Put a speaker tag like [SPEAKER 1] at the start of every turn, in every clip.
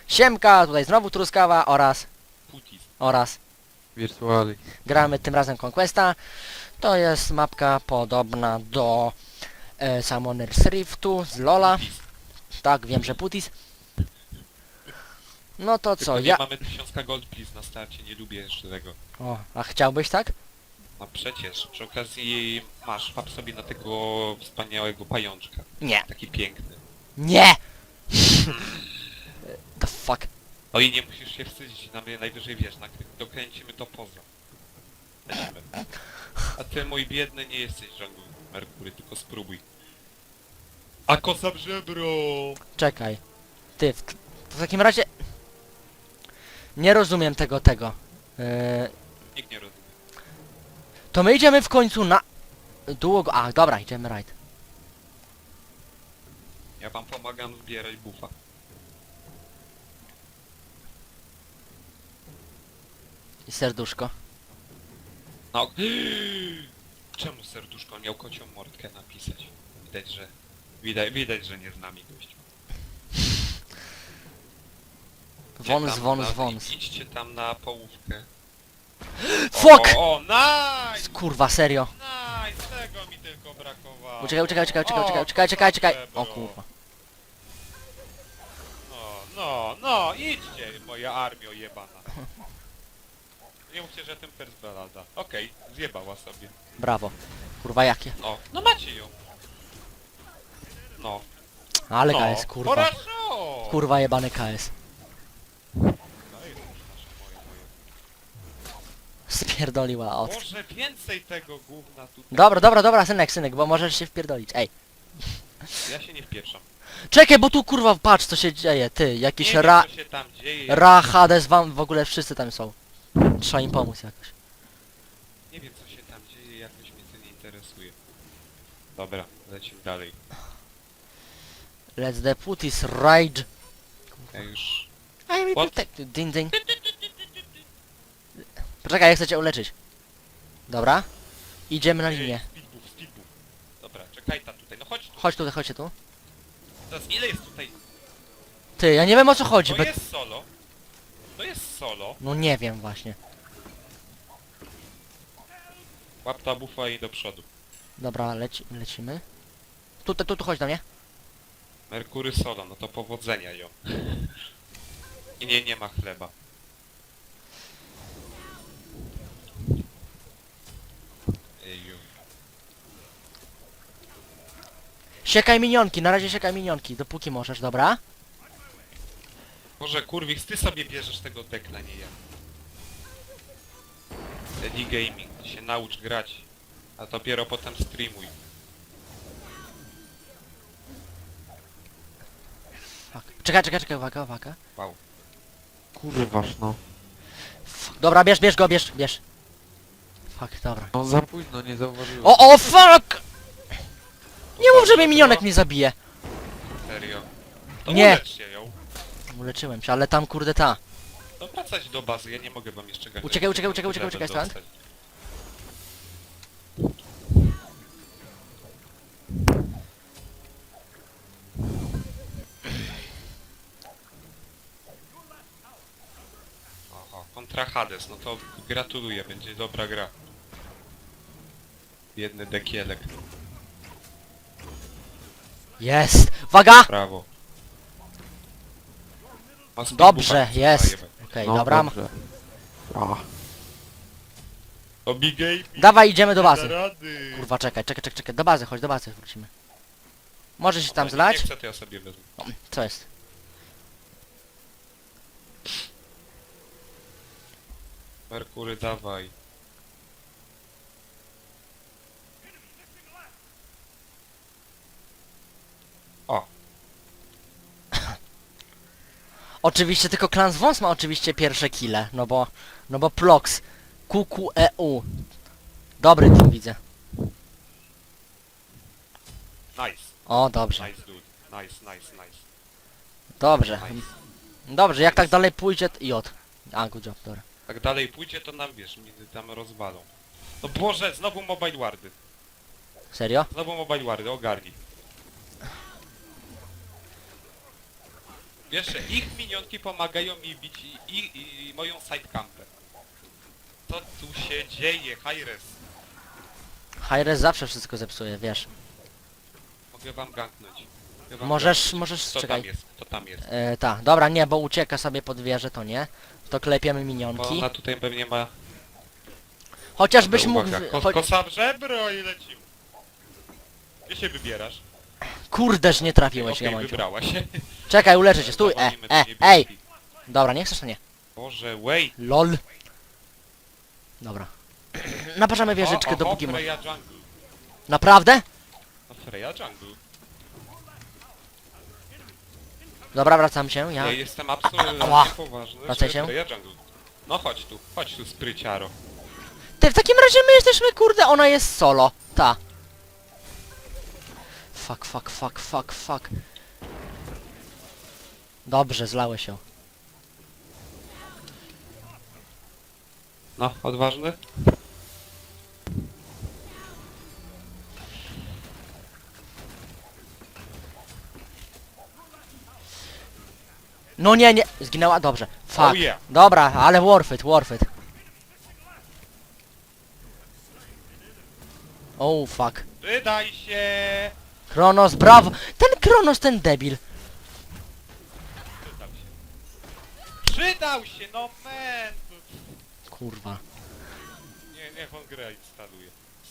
[SPEAKER 1] Siemka, tutaj znowu Truskawa
[SPEAKER 2] Putis.
[SPEAKER 1] oraz
[SPEAKER 3] Wirtuali.
[SPEAKER 1] gramy tym razem Conquesta. To jest mapka podobna do Summoner's Riftu z Lola.
[SPEAKER 2] Putis.
[SPEAKER 1] Tak, wiem, że Putis. No to
[SPEAKER 2] Tylko
[SPEAKER 1] co,
[SPEAKER 2] nie
[SPEAKER 1] ja...
[SPEAKER 2] mamy 1000 gold please na starcie, nie lubię jeszcze tego.
[SPEAKER 1] O, a chciałbyś tak?
[SPEAKER 2] No przecież, przy okazji masz, wap sobie na tego wspaniałego pajączka.
[SPEAKER 1] Nie.
[SPEAKER 2] Taki piękny.
[SPEAKER 1] Nie! The fuck?
[SPEAKER 2] No i nie musisz się wstydzić, najwyżej wiesz, dokręcimy to poza. Lecimy. A ty mój biedny nie jesteś żadnym Merkury, tylko spróbuj. A kosa w żebro!
[SPEAKER 1] Czekaj. Ty, w takim razie... Nie rozumiem tego.
[SPEAKER 2] Nikt nie rozumie.
[SPEAKER 1] To my idziemy w końcu na... Długo... A, dobra, idziemy right.
[SPEAKER 2] Ja wam pomagam zbierać buffa.
[SPEAKER 1] I serduszko.
[SPEAKER 2] No. Czemu serduszko miał kocią mordkę napisać? Widać, że nie z nami gość.
[SPEAKER 1] Wąs.
[SPEAKER 2] Idźcie tam na połówkę.
[SPEAKER 1] Fuck!
[SPEAKER 2] O, nice!
[SPEAKER 1] Kurwa, serio.
[SPEAKER 2] Nice! Tego mi tylko brakowało.
[SPEAKER 1] Uciekaj. O kurwa.
[SPEAKER 2] No, idźcie, moja armio jebana. Nie mówcie, że tym first balada. Okej, zjebała sobie.
[SPEAKER 1] Brawo. Kurwa, jakie?
[SPEAKER 2] No macie ją. No.
[SPEAKER 1] Ale
[SPEAKER 2] no.
[SPEAKER 1] KS, kurwa.
[SPEAKER 2] Хорошо!
[SPEAKER 1] Kurwa, jebany KS.
[SPEAKER 2] No i już nasze moje.
[SPEAKER 1] Spierdoliła od...
[SPEAKER 2] Może więcej tego gówna tutaj.
[SPEAKER 1] Dobra, synek, bo możesz się wpierdolić. Ej.
[SPEAKER 2] Ja się nie wpieprzam.
[SPEAKER 1] Czekaj, bo tu kurwa, patrz co się dzieje, ty. Jakiś
[SPEAKER 2] Nie wiem, co się tam dzieje.
[SPEAKER 1] Hades, wam w ogóle wszyscy tam są. Trzeba im pomóc jakoś.
[SPEAKER 2] Nie wiem, co się tam dzieje, jakoś mnie to nie interesuje. Dobra, lecimy dalej.
[SPEAKER 1] Let's the putis rage.
[SPEAKER 2] Ja już...
[SPEAKER 1] I'm
[SPEAKER 2] What?
[SPEAKER 1] protected. Ding. Poczekaj, ja chcę cię uleczyć. Dobra. Idziemy na linię.
[SPEAKER 2] Speedbuff. Dobra, czekaj tam tutaj, no chodź tu.
[SPEAKER 1] Chodźcie tu.
[SPEAKER 2] Teraz ile jest tutaj?
[SPEAKER 1] Ty, ja nie wiem o co chodzi.
[SPEAKER 2] To jest solo. To jest solo.
[SPEAKER 1] No nie wiem właśnie.
[SPEAKER 2] Łap ta bufa i do przodu.
[SPEAKER 1] Dobra, lecimy. Tu chodź do mnie.
[SPEAKER 2] Merkury solo, no to powodzenia ją. I nie ma chleba. Eju.
[SPEAKER 1] Siekaj minionki, na razie siekaj minionki, dopóki możesz, dobra?
[SPEAKER 2] Może kurwix, ty sobie bierzesz tego dekla, nie ja. Teddy Gaming, ty się naucz grać, a dopiero potem streamuj.
[SPEAKER 1] Fuck. Czekaj, uwaga.
[SPEAKER 2] Wow.
[SPEAKER 3] Kurważ no.
[SPEAKER 1] Fuck. Dobra, bierz go. Fuck, dobra.
[SPEAKER 3] No za późno, nie zauważyłem.
[SPEAKER 1] O, fuck! Nie mów, że mnie minionek mnie zabije.
[SPEAKER 2] Serio? To
[SPEAKER 1] Nie.
[SPEAKER 2] ulecz się ją.
[SPEAKER 1] Uleczyłem się, ale tam kurde ta.
[SPEAKER 2] No wracać do bazy, ja nie mogę wam jeszcze gadać.
[SPEAKER 1] Uciekaj stąd.
[SPEAKER 2] Oho, kontra Hades, no to gratuluję, będzie dobra gra. Biedny dekielek,
[SPEAKER 1] Jest! Uwaga!
[SPEAKER 2] brawo. Ma
[SPEAKER 1] Dobrze,
[SPEAKER 2] speedbuffa,
[SPEAKER 1] jest.
[SPEAKER 2] zajebać.
[SPEAKER 1] Okej,
[SPEAKER 3] No,
[SPEAKER 1] dobra.
[SPEAKER 3] dobrze. A,
[SPEAKER 2] O Big Game.
[SPEAKER 1] Dawaj, idziemy do bazy.
[SPEAKER 2] Rady.
[SPEAKER 1] Kurwa, czekaj. Do bazy, chodź do bazy, wrócimy. Może się tam
[SPEAKER 2] Nie
[SPEAKER 1] zlać?
[SPEAKER 2] chcę, to ja sobie wezmę.
[SPEAKER 1] O, co jest?
[SPEAKER 2] Merkury, dawaj. O,
[SPEAKER 1] Oczywiście tylko Klan z Wąs ma oczywiście pierwsze kile, no bo Plox, QQEU. Dobry team widzę.
[SPEAKER 2] nice.
[SPEAKER 1] O, dobrze.
[SPEAKER 2] Nice dude. Nice.
[SPEAKER 1] Dobrze.
[SPEAKER 2] Nice.
[SPEAKER 1] Dobrze, jak tak dalej pójdzie, J. A, good job, dobra.
[SPEAKER 2] Tak dalej pójdzie, to nam wiesz, mnie tam rozwalą. No Boże, znowu Mobile Wardy.
[SPEAKER 1] Serio?
[SPEAKER 2] Znowu Mobile Wardy, ogarnij. Wiesz, że ich minionki pomagają mi bić i moją sidecampę. Co tu się dzieje, Hi-Res?
[SPEAKER 1] Hi-Res zawsze wszystko zepsuje, wiesz.
[SPEAKER 2] Mogę wam ganknąć. Mogę wam
[SPEAKER 1] Możesz,
[SPEAKER 2] ganknąć.
[SPEAKER 1] możesz,
[SPEAKER 2] Kto
[SPEAKER 1] czekaj.
[SPEAKER 2] tam jest? Kto tam jest?
[SPEAKER 1] Ta, dobra, nie, bo ucieka sobie pod wieżę, to nie. To klepiemy
[SPEAKER 2] Bo
[SPEAKER 1] minionki.
[SPEAKER 2] ona tutaj pewnie ma...
[SPEAKER 1] Chociażbyś mógł...
[SPEAKER 2] Uwaga, kosa w żebro i lecimy. Gdzie się wybierasz?
[SPEAKER 1] Kurdeż nie trafiłeś,
[SPEAKER 2] Okej,
[SPEAKER 1] Gamonciu.
[SPEAKER 2] wybrała się.
[SPEAKER 1] Czekaj, uleczę cię, stój,
[SPEAKER 2] Zawalimy do
[SPEAKER 1] ej!
[SPEAKER 2] niebieskich.
[SPEAKER 1] Dobra, nie chcesz, to nie.
[SPEAKER 2] Boże, wait.
[SPEAKER 1] LOL. Dobra. Naparzamy wieżyczkę,
[SPEAKER 2] Oho,
[SPEAKER 1] dopóki może.
[SPEAKER 2] Freya Jungle.
[SPEAKER 1] Naprawdę?
[SPEAKER 2] No Freya Jungle.
[SPEAKER 1] Dobra, wracam się, ja...
[SPEAKER 2] Ja jestem absolutnie
[SPEAKER 1] Ała.
[SPEAKER 2] poważny,
[SPEAKER 1] Wracaj
[SPEAKER 2] że
[SPEAKER 1] się.
[SPEAKER 2] Freya Jungle. No chodź tu, spryciaro.
[SPEAKER 1] Ty, w takim razie my jesteśmy, kurde, ona jest solo. Ta. Fuck. Dobrze, zlałeś się.
[SPEAKER 2] No, odważny?
[SPEAKER 1] No nie, zginęła, dobrze. Fuck.
[SPEAKER 2] Oh yeah.
[SPEAKER 1] Dobra, ale worth it. Oh, fuck.
[SPEAKER 2] Wydaj się!
[SPEAKER 1] Kronos, brawo! Ten Kronos, ten debil.
[SPEAKER 2] Przydał się, no man!
[SPEAKER 1] Kurwa.
[SPEAKER 2] Niech on grę instaluje.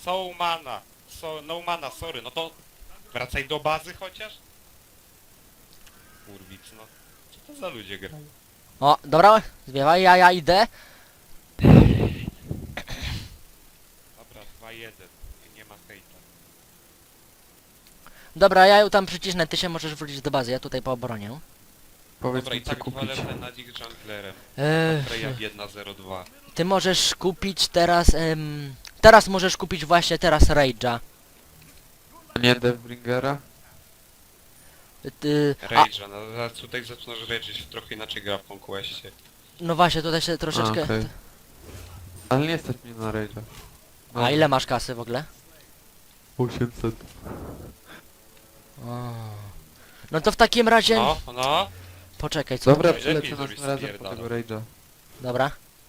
[SPEAKER 2] No mana, sorry, no to wracaj do bazy chociaż? Kurwic, no. Co to za ludzie grają?
[SPEAKER 1] O, dobra, zbiewaj, ja idę.
[SPEAKER 2] Dobra, 2-1. Nie ma hejta.
[SPEAKER 1] Dobra, ja ją tam przycisnę, ty się możesz wrócić do bazy, ja tutaj po obronie.
[SPEAKER 3] Powiedz
[SPEAKER 2] Dobra, i
[SPEAKER 3] mi co
[SPEAKER 2] tak dwa
[SPEAKER 3] kupić.
[SPEAKER 2] level nad ich junglerem.
[SPEAKER 1] Eee,
[SPEAKER 2] Freya biedna 0-2.
[SPEAKER 1] ty możesz kupić teraz, teraz możesz kupić właśnie teraz Rage'a.
[SPEAKER 3] A nie Deathbringera?
[SPEAKER 2] Rage'a, no zaraz tutaj zaczynasz rage'ć, trochę inaczej gra w Conquestie.
[SPEAKER 1] no właśnie, tutaj się troszeczkę...
[SPEAKER 3] A, okej. Ale nie stać mnie na Rage'a.
[SPEAKER 1] A ile masz kasy w ogóle?
[SPEAKER 3] 800.
[SPEAKER 1] O. No to w takim razie...
[SPEAKER 2] No.
[SPEAKER 1] Poczekaj, co?
[SPEAKER 3] Dobra,
[SPEAKER 2] Najlepiej
[SPEAKER 3] przylecę
[SPEAKER 2] zrobić
[SPEAKER 3] następnym razem po
[SPEAKER 2] spierdalam.
[SPEAKER 3] tego Rage'a.
[SPEAKER 1] Dobra.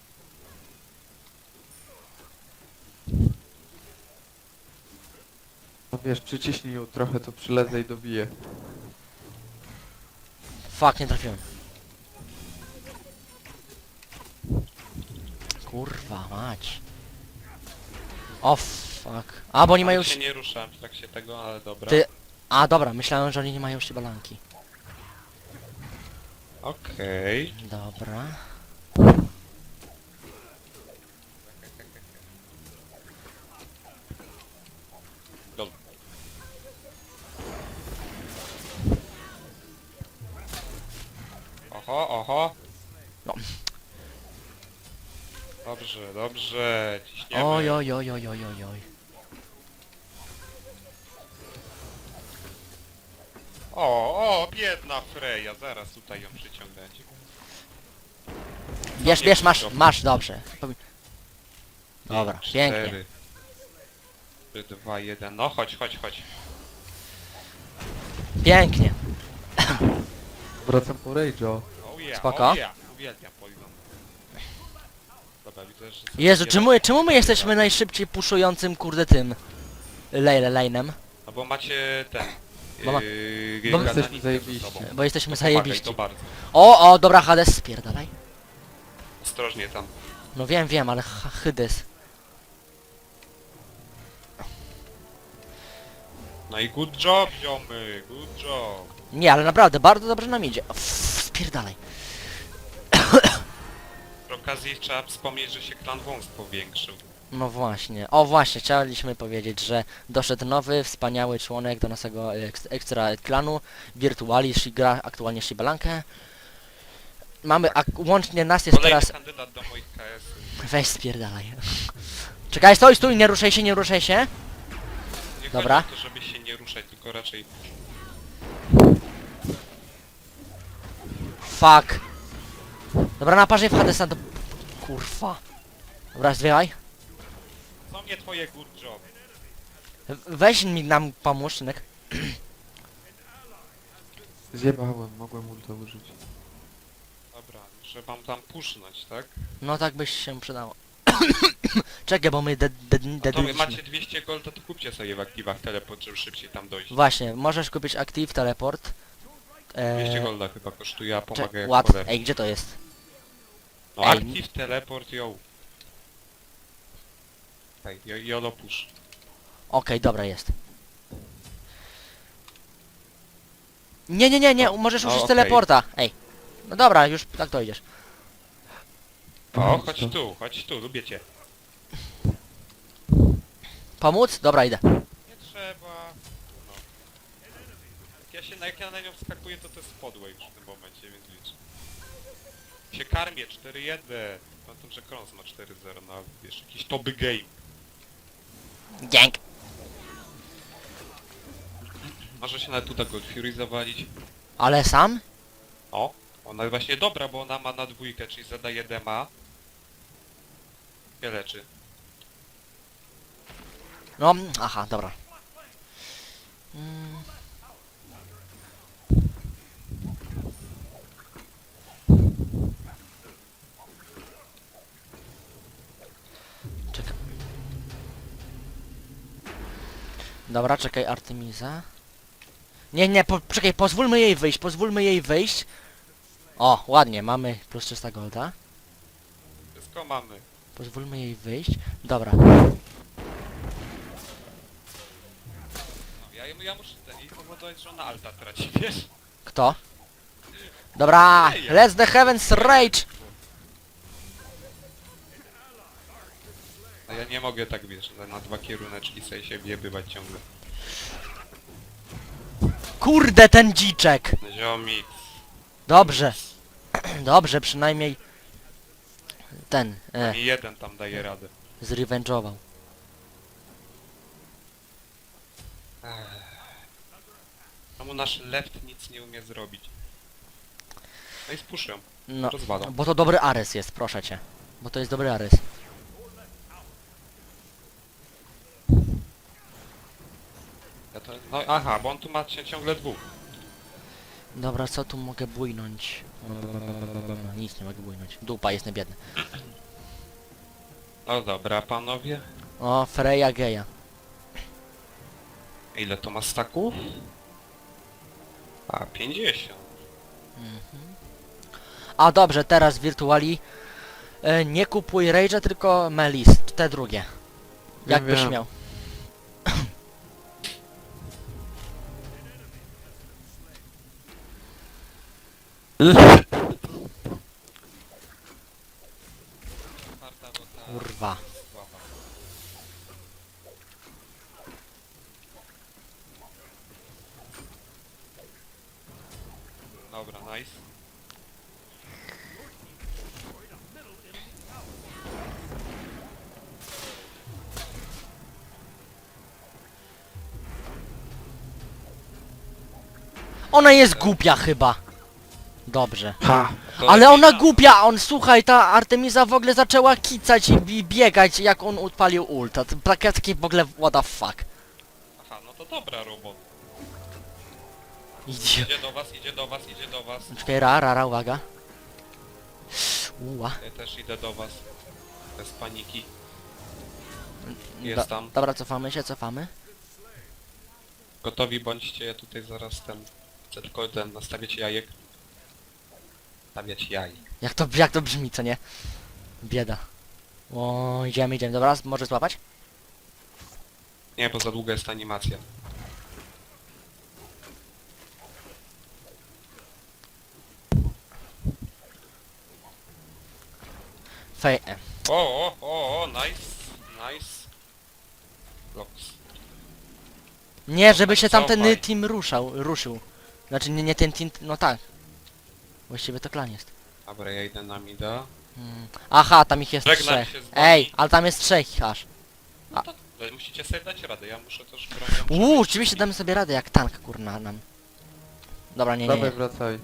[SPEAKER 3] No wiesz, przyciśnij ją trochę, to przylezę i dobiję.
[SPEAKER 1] Fuck, nie trafiłem. Kurwa, mać. O, fuck. A, bo oni mają...
[SPEAKER 2] się nie ruszałem w trakcie tego, ale dobra.
[SPEAKER 1] Ty- A, dobra, myślałem, że oni nie mają balanki.
[SPEAKER 2] Okej.
[SPEAKER 1] Dobra.
[SPEAKER 2] Dobra. Oho.
[SPEAKER 1] No.
[SPEAKER 2] Dobrze, ciśniemy.
[SPEAKER 1] Oj.
[SPEAKER 2] O, biedna Freya, zaraz tutaj ją przyciągnąć.
[SPEAKER 1] Bierz, masz, dobrze. Dobra, pięknie.
[SPEAKER 2] 4, 2, 1, no chodź.
[SPEAKER 1] Pięknie.
[SPEAKER 3] Wracam po Rage'a.
[SPEAKER 2] Oh yeah,
[SPEAKER 1] Spoko.
[SPEAKER 2] oh yeah. Uwielbiam Poison. Dobra, widzę, że... sobie
[SPEAKER 1] Jezu,
[SPEAKER 2] nie
[SPEAKER 1] czemu my jesteśmy najszybciej puszującym, kurde, tym... lane'em?
[SPEAKER 2] No bo macie ten...
[SPEAKER 1] Bo ma-
[SPEAKER 3] bo
[SPEAKER 2] gadanie
[SPEAKER 3] jesteśmy
[SPEAKER 2] między
[SPEAKER 3] zajebiści.
[SPEAKER 2] sobą.
[SPEAKER 1] Bo jesteśmy
[SPEAKER 2] To pomagaj,
[SPEAKER 1] zajebiści.
[SPEAKER 2] to bardzo.
[SPEAKER 1] O, dobra, Hades, spierdalaj.
[SPEAKER 2] Ostrożnie tam.
[SPEAKER 1] No wiem, ale Hades.
[SPEAKER 2] No i good job, ziomy, good job.
[SPEAKER 1] Nie, ale naprawdę, bardzo dobrze nam idzie. Spierdalaj.
[SPEAKER 2] Przy okazji trzeba wspomnieć, że się klan wąs powiększył.
[SPEAKER 1] No właśnie. O właśnie, chcieliśmy powiedzieć, że doszedł nowy, wspaniały członek do naszego ekstra klanu. Virtualis, gra aktualnie Shibalankę. Mamy, łącznie nas jest
[SPEAKER 2] Kolejny
[SPEAKER 1] teraz...
[SPEAKER 2] kandydat do moich KS.
[SPEAKER 1] Weź spierdalaj. Czekaj, stój, nie ruszaj się.
[SPEAKER 2] Nie
[SPEAKER 1] Dobra.
[SPEAKER 2] chodzi o to, żeby się nie ruszać, tylko raczej...
[SPEAKER 1] Fuck. Dobra, naparzaj w Hadesa do... Kurwa. Dobra, zwiewaj.
[SPEAKER 2] Co mnie twoje good job?
[SPEAKER 1] Weź mi nam pomóż, synek.
[SPEAKER 3] Zjebałem, mogłem ulta użyć.
[SPEAKER 2] Dobra, muszę wam tam pusznąć, tak?
[SPEAKER 1] No tak byś się przydało. Czekaj, bo my
[SPEAKER 2] A to wy
[SPEAKER 1] dedliśmy.
[SPEAKER 2] macie 200 golda, to kupcie sobie w aktywach teleport, żeby szybciej tam dojść.
[SPEAKER 1] Właśnie, możesz kupić Active Teleport.
[SPEAKER 2] 200 golda chyba kosztuje, a pomaga jak
[SPEAKER 1] Ład.
[SPEAKER 2] cholery.
[SPEAKER 1] Ej, gdzie to jest?
[SPEAKER 2] No
[SPEAKER 1] ej.
[SPEAKER 2] active teleport, yo. Ej, jolo push.
[SPEAKER 1] Okej, dobra, jest. Nie, możesz
[SPEAKER 2] No,
[SPEAKER 1] użyć
[SPEAKER 2] okej.
[SPEAKER 1] teleporta. Ej. No dobra, już tak dojdziesz.
[SPEAKER 2] O, chodź tu, lubię cię.
[SPEAKER 1] Pomóc? Dobra, idę.
[SPEAKER 2] Nie trzeba. No. Jak ja na nią wskakuję, to jest podłe już w tym momencie, więc licz. Się karmię, 4-1. Pamiętam, że Krons ma 4-0, no wiesz, jakiś toby game.
[SPEAKER 1] Dzięk.
[SPEAKER 2] Może się nawet uda Gold Fury zawalić.
[SPEAKER 1] Ale sam?
[SPEAKER 2] O, ona jest właśnie dobra, bo ona ma na dwójkę, czyli zadaje dema. Się leczy.
[SPEAKER 1] No, aha, dobra. Czekaj. Dobra, czekaj, Artemisa. Nie, czekaj, pozwólmy jej wyjść. O, ładnie, mamy plus 300 golda.
[SPEAKER 2] Wszystko mamy.
[SPEAKER 1] Pozwólmy jej wyjść. Dobra.
[SPEAKER 2] No, ja muszę jej powodować, że ona alta traci, wiesz?
[SPEAKER 1] Kto? Dobra,
[SPEAKER 2] Ej,
[SPEAKER 1] let's the heavens rage!
[SPEAKER 2] A ja nie mogę tak, wiesz, na dwa kieruneczki sobie się wjebywać ciągle.
[SPEAKER 1] Kurde, ten dziczek!
[SPEAKER 2] Ziomik.
[SPEAKER 1] Dobrze. Dobrze, przynajmniej ten,
[SPEAKER 2] I jeden tam daje radę.
[SPEAKER 1] zrevenge'ował.
[SPEAKER 2] Czemu nasz left nic nie umie zrobić? No i spuszczę.
[SPEAKER 1] No,
[SPEAKER 2] Rozwalam.
[SPEAKER 1] bo to dobry Ares jest, proszę cię. Bo to jest dobry Ares.
[SPEAKER 2] Ja to, no aha, bo on tu ma ciągle dwóch.
[SPEAKER 1] Dobra, co tu mogę bujnąć? Nic nie mogę bujnąć. Dupa, jestem biedny.
[SPEAKER 2] No dobra, panowie.
[SPEAKER 1] O, Freya Geja.
[SPEAKER 2] Ile to ma staków? A, 50.
[SPEAKER 1] A dobrze, teraz Virtuali. Nie kupuj Rage'a, tylko Melis, te drugie. Jakbyś
[SPEAKER 3] wiem.
[SPEAKER 1] miał. Kurwa.
[SPEAKER 2] Dobra, nice.
[SPEAKER 1] Ona jest głupia chyba. Dobrze.
[SPEAKER 3] Ha!
[SPEAKER 2] To
[SPEAKER 1] Ale
[SPEAKER 2] lepiej
[SPEAKER 1] ona
[SPEAKER 2] na-
[SPEAKER 1] głupia, słuchaj, ta Artemisa w ogóle zaczęła kicać i biegać jak on odpalił ulta. To takie w ogóle what the fuck.
[SPEAKER 2] Aha, no to dobra robota.
[SPEAKER 1] Idzie.
[SPEAKER 2] Idzie do was, idzie do was, idzie do was.
[SPEAKER 1] Czekaj, rara, uwaga. Uła.
[SPEAKER 2] Ja też idę do was. Bez paniki. Jest tam.
[SPEAKER 1] Dobra, cofamy.
[SPEAKER 2] Gotowi bądźcie, ja tutaj zaraz chcę tylko nastawiać jajek. Stawiać jaj.
[SPEAKER 1] Jak to brzmi, co nie? Bieda. O, idziemy, dobra, może złapać?
[SPEAKER 2] Nie, bo za długa jest animacja.
[SPEAKER 1] Fej.
[SPEAKER 2] O, nice. Nice. Blocks.
[SPEAKER 1] Nie, żeby się tamten
[SPEAKER 2] Cofaj.
[SPEAKER 1] team ruszył. Znaczy nie ten team, no tak. Właściwie to klan jest.
[SPEAKER 2] Dobra, ja idę na mida.
[SPEAKER 1] Aha, tam ich jest
[SPEAKER 2] Żegnam
[SPEAKER 1] trzech.
[SPEAKER 2] się z wami.
[SPEAKER 1] Ej, ale tam jest trzech aż.
[SPEAKER 2] No to musicie sobie dać radę, ja muszę też bronić.
[SPEAKER 1] Oczywiście damy sobie radę jak tank, kurna nam. Dobra, nie.
[SPEAKER 3] Dawaj, wracaj.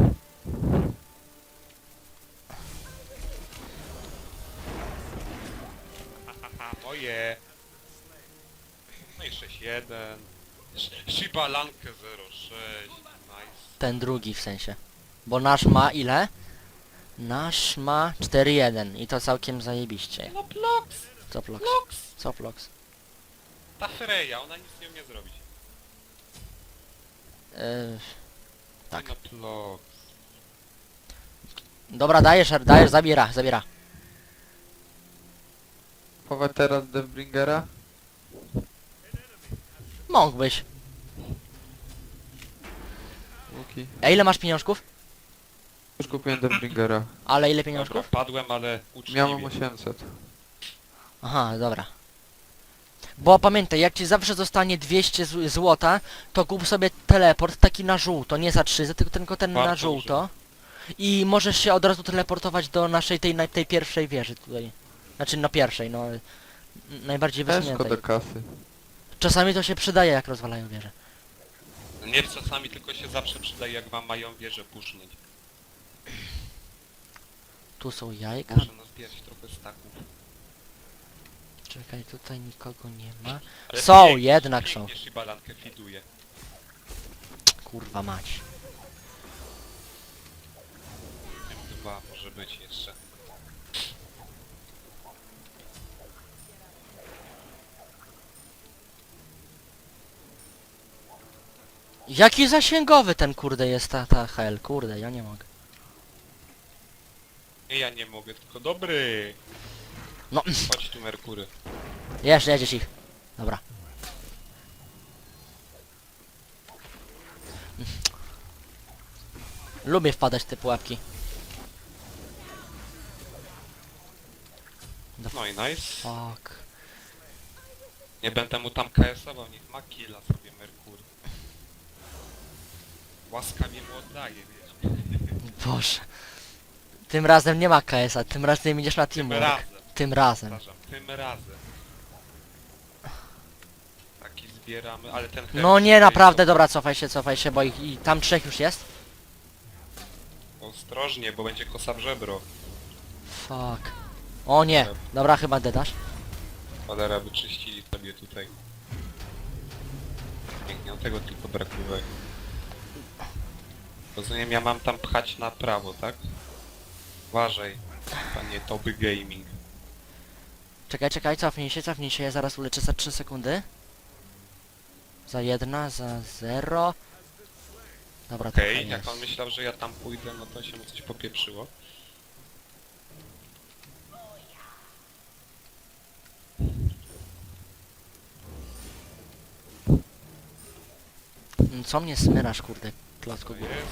[SPEAKER 2] Haha, moje. No i 6-1. Shiba Lankę 0-6. Nice.
[SPEAKER 1] Ten drugi w sensie. Bo nasz ma ile? Nasz ma 4-1 i to całkiem zajebiście.
[SPEAKER 2] No Plox!
[SPEAKER 1] Co Plox?
[SPEAKER 2] Plox!
[SPEAKER 1] Co Plox?
[SPEAKER 2] Ta Freya, ona nic nie umie zrobić. Tak.
[SPEAKER 1] Tak.
[SPEAKER 2] No Plox.
[SPEAKER 1] Dobra, dajesz, zabiera.
[SPEAKER 3] Chować teraz Deathbringera?
[SPEAKER 1] Mógłbyś.
[SPEAKER 3] Łuki.
[SPEAKER 1] A ile masz pieniążków?
[SPEAKER 3] Już kupiłem Deathbringera.
[SPEAKER 1] Ale ile
[SPEAKER 2] Dobra,
[SPEAKER 1] pieniążków?
[SPEAKER 2] padłem, ale uczciwie.
[SPEAKER 3] Miałem 800.
[SPEAKER 1] Aha, dobra. Bo pamiętaj, jak ci zawsze zostanie 200 złota, to kup sobie teleport taki na żółto, nie za 3, tylko ten na
[SPEAKER 2] Bardzo
[SPEAKER 1] żółto. I możesz się od razu teleportować do naszej tej pierwszej wieży tutaj. Znaczy no pierwszej, no najbardziej
[SPEAKER 3] Też
[SPEAKER 1] wysuniętej.
[SPEAKER 3] do kasy.
[SPEAKER 1] Czasami to się przydaje, jak rozwalają wieże.
[SPEAKER 2] Nie czasami, tylko się zawsze przydaje, jak wam mają wieżę pusznąć.
[SPEAKER 1] Tu są jajka.
[SPEAKER 2] Muszę nazbierać trochę staków.
[SPEAKER 1] Czekaj, tutaj nikogo nie ma.
[SPEAKER 2] Ale
[SPEAKER 1] Są,
[SPEAKER 2] pięknie,
[SPEAKER 1] jednak są.
[SPEAKER 2] pięknie Shibalankę fiduje.
[SPEAKER 1] Kurwa mać.
[SPEAKER 2] Dwa może być jeszcze.
[SPEAKER 1] Jaki zasięgowy ten kurde jest ta hel, kurde, ja nie mogę.
[SPEAKER 2] Nie, ja nie mogę, tylko dobry.
[SPEAKER 1] No,
[SPEAKER 2] Chodź tu, Merkury.
[SPEAKER 1] jeszcze jedziesz ich. Dobra. Lubię wpadać w te pułapki.
[SPEAKER 2] No i nice.
[SPEAKER 1] Fuck.
[SPEAKER 2] Nie będę mu tam KS-ował, niech ma killa sobie Merkury. Łaskawie mu oddaje, wiesz.
[SPEAKER 1] Boże. Tym razem nie ma KS-a, tym razem idziesz na
[SPEAKER 2] Tym
[SPEAKER 1] teamwork.
[SPEAKER 2] razem.
[SPEAKER 1] Tym razem.
[SPEAKER 2] Przepraszam, tym razem. Taki zbieramy, ale ten
[SPEAKER 1] No
[SPEAKER 2] herb
[SPEAKER 1] nie,
[SPEAKER 2] tutaj
[SPEAKER 1] naprawdę,
[SPEAKER 2] to-
[SPEAKER 1] dobra, cofaj się, bo i tam 3 już jest.
[SPEAKER 2] Ostrożnie, bo będzie kosa w żebro.
[SPEAKER 1] Fuck. O nie, dobra, chyba dedasz.
[SPEAKER 2] Cholera, wyczyścili sobie tutaj. Pięknie, no tego tylko brakuje. Rozumiem, ja mam tam pchać na prawo, tak? Uważaj, panie Toby Gaming.
[SPEAKER 1] Czekaj, cofnij się, ja zaraz uleczę za 3 sekundy. Za 1, za 0. Dobra,
[SPEAKER 2] Okej,
[SPEAKER 1] trochę
[SPEAKER 2] jak
[SPEAKER 1] jest.
[SPEAKER 2] on myślał, że ja tam pójdę, no to się mu coś popieprzyło.
[SPEAKER 1] Co mnie smyrasz, kurde, klocku
[SPEAKER 2] To
[SPEAKER 1] góry.
[SPEAKER 2] jest.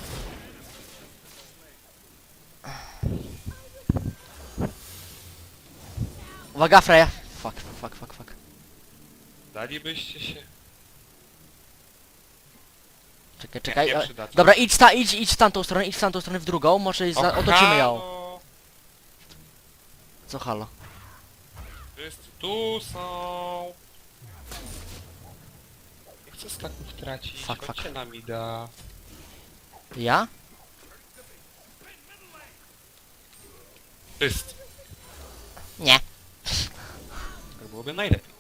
[SPEAKER 1] Uwaga, Freya! Fuck.
[SPEAKER 2] Dalibyście się?
[SPEAKER 1] Czekaj.
[SPEAKER 2] Nie przydacie.
[SPEAKER 1] Dobra, idź w tamtą stronę, w drugą, może otoczymy ją.
[SPEAKER 2] halo!
[SPEAKER 1] Co halo?
[SPEAKER 2] Wszyscy tu są! Nie chcę staków tracić,
[SPEAKER 1] Fuck.
[SPEAKER 2] chodźcie na mida.
[SPEAKER 1] Ja?
[SPEAKER 2] Wszyscy.
[SPEAKER 1] Nie.
[SPEAKER 2] Tak byłoby najlepiej.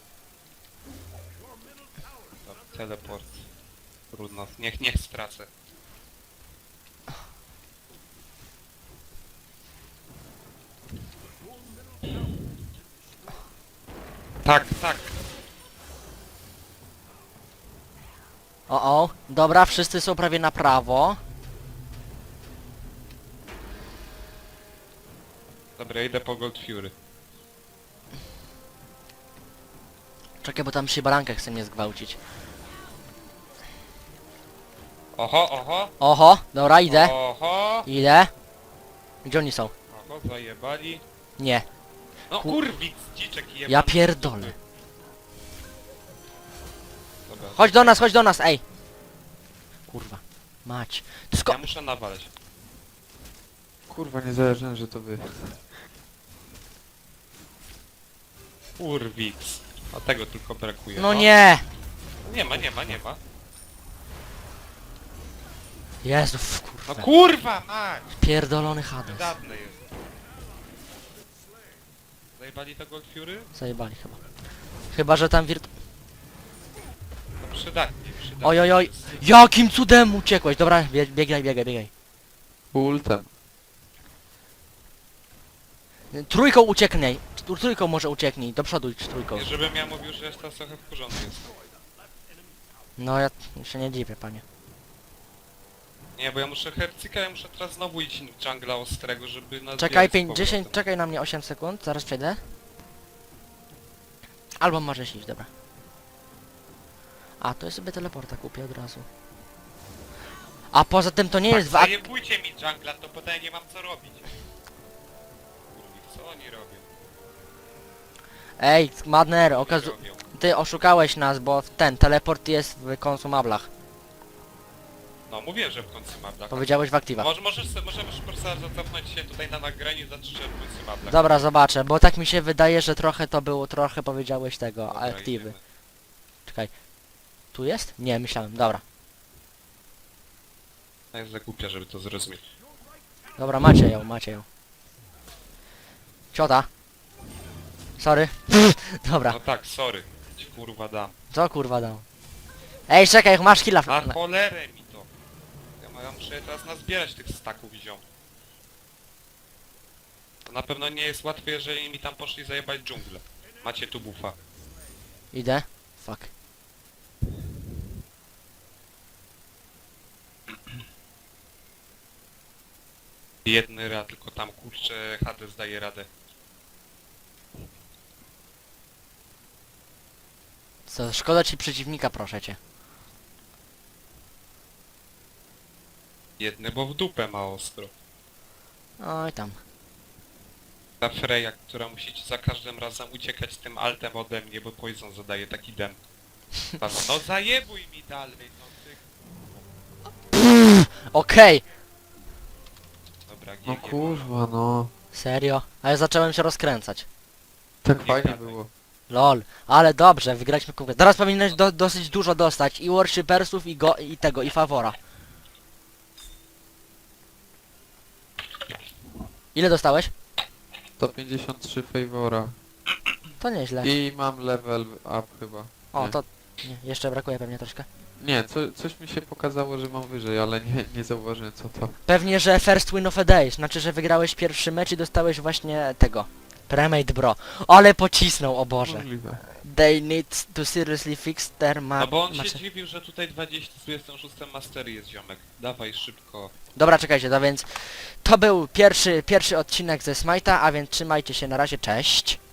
[SPEAKER 2] Dobra, teleport. Trudno, niech stracę. Tak.
[SPEAKER 1] O, dobra, wszyscy są prawie na prawo.
[SPEAKER 2] Dobra, idę po Gold Fury.
[SPEAKER 1] Czekaj, bo tam przy barankach chce mnie zgwałcić.
[SPEAKER 2] Oho!
[SPEAKER 1] Oho, dobra, idę.
[SPEAKER 2] Oho!
[SPEAKER 1] Idę. Gdzie oni są?
[SPEAKER 2] Oho, zajebali.
[SPEAKER 1] Nie.
[SPEAKER 2] No kurwik, dziczek jebany.
[SPEAKER 1] Ja pierdolę.
[SPEAKER 2] Dobra,
[SPEAKER 1] Chodź do nas, ej. Kurwa. Mać.
[SPEAKER 2] ja muszę nawalać.
[SPEAKER 3] Kurwa, nie zależy, że to wy.
[SPEAKER 2] Kurwiks. A tego tylko brakuje.
[SPEAKER 1] No nie.
[SPEAKER 2] Nie ma.
[SPEAKER 1] Jezu,
[SPEAKER 2] No
[SPEAKER 1] kurwa.
[SPEAKER 2] kurwa, mać!
[SPEAKER 1] Pierdolony Hades.
[SPEAKER 2] Przydatne jest. Zajebali to Gold Fury?
[SPEAKER 1] Zajebali chyba. Chyba, że tam
[SPEAKER 2] No przydatnie. wydaje.
[SPEAKER 1] Oj, oj, oj. Jakim cudem uciekłeś? Dobra, biegaj, biegaj, biegaj.
[SPEAKER 3] Ultem.
[SPEAKER 1] Trójką ucieknij. Trójką może ucieknij. Do przodu idź trójką.
[SPEAKER 2] Nie, żebym ja mówił, że jest teraz trochę w porządku jest.
[SPEAKER 1] No ja się nie dziwię, panie.
[SPEAKER 2] Nie, bo ja muszę hercyka, ja muszę teraz znowu iść w jungla ostrego, żeby na
[SPEAKER 1] Czekaj 10, czekaj na mnie 8 sekund, zaraz przejdę. Albo możesz iść, dobra. A, to ja sobie teleporta kupię od razu. A poza tym to nie jest w ak-
[SPEAKER 2] Zajebujcie mi jungla, to potem nie mam co robić. Kurwa, co oni robią?
[SPEAKER 1] Ej, Madner,
[SPEAKER 2] Co oni robią?
[SPEAKER 1] ty oszukałeś nas, bo ten teleport jest w konsumablach.
[SPEAKER 2] No mówię, że w końcu mablach.
[SPEAKER 1] Powiedziałeś w aktywach.
[SPEAKER 2] Możesz po prostu zacofnąć się tutaj na nagraniu i zacząć w końcu mablach.
[SPEAKER 1] Dobra, zobaczę, bo tak mi się wydaje, że trochę to było, trochę powiedziałeś tego,
[SPEAKER 2] Dobra,
[SPEAKER 1] aktywy.
[SPEAKER 2] idziemy.
[SPEAKER 1] Czekaj. Tu jest? Nie, myślałem, dobra.
[SPEAKER 2] Ja jest za głupia, żeby to zrozumieć.
[SPEAKER 1] Dobra, macie ją, macie ją. Ciota. Sorry. Dobra,
[SPEAKER 2] No tak, sorry. Ci kurwa dam.
[SPEAKER 1] co kurwa dał? Ej, czekaj, masz killa.
[SPEAKER 2] Na cholerę mi to. Ja muszę teraz nazbierać tych staków ziom. To na pewno nie jest łatwe, jeżeli mi tam poszli zajebać dżunglę. Macie tu bufa.
[SPEAKER 1] Idę. Fuck.
[SPEAKER 2] Biedny Ra, tylko tam kurczę Hades daje radę.
[SPEAKER 1] Co, szkoda ci przeciwnika, proszę cię.
[SPEAKER 2] Biedny, bo w dupę ma ostro.
[SPEAKER 1] Oj tam.
[SPEAKER 2] Ta Freya, która musi za każdym razem uciekać tym altem ode mnie, bo Poison zadaje taki dem. No zajebuj mi dalej, no ty...
[SPEAKER 1] Okej.
[SPEAKER 2] Dobra, GG.
[SPEAKER 3] No kurwa, no.
[SPEAKER 1] Serio? A ja zacząłem się rozkręcać.
[SPEAKER 3] Tak
[SPEAKER 2] Nie
[SPEAKER 3] fajnie
[SPEAKER 2] gadaj.
[SPEAKER 3] było.
[SPEAKER 1] Lol. Ale dobrze, wygraliśmy konkurencję. Teraz powinieneś dosyć dużo dostać. I worshipersów, i tego, i favora. Ile dostałeś?
[SPEAKER 3] 153 favora.
[SPEAKER 1] To nieźle.
[SPEAKER 3] I mam level up chyba.
[SPEAKER 1] O,
[SPEAKER 3] nie.
[SPEAKER 1] to... Nie, jeszcze brakuje pewnie troszkę.
[SPEAKER 3] Nie, coś mi się pokazało, że mam wyżej, ale nie zauważyłem co to.
[SPEAKER 1] Pewnie, że first win of a day. Znaczy, że wygrałeś pierwszy mecz i dostałeś właśnie tego. Premade bro. Ale pocisnął, o Boże.
[SPEAKER 3] Możliwe.
[SPEAKER 1] They need to seriously fix their
[SPEAKER 2] No bo on się
[SPEAKER 1] match.
[SPEAKER 2] dziwił, że tutaj 26 mastery jest ziomek. Dawaj szybko.
[SPEAKER 1] Dobra, czekajcie, to więc... To był pierwszy odcinek ze Smite'a, a więc trzymajcie się, na razie, cześć.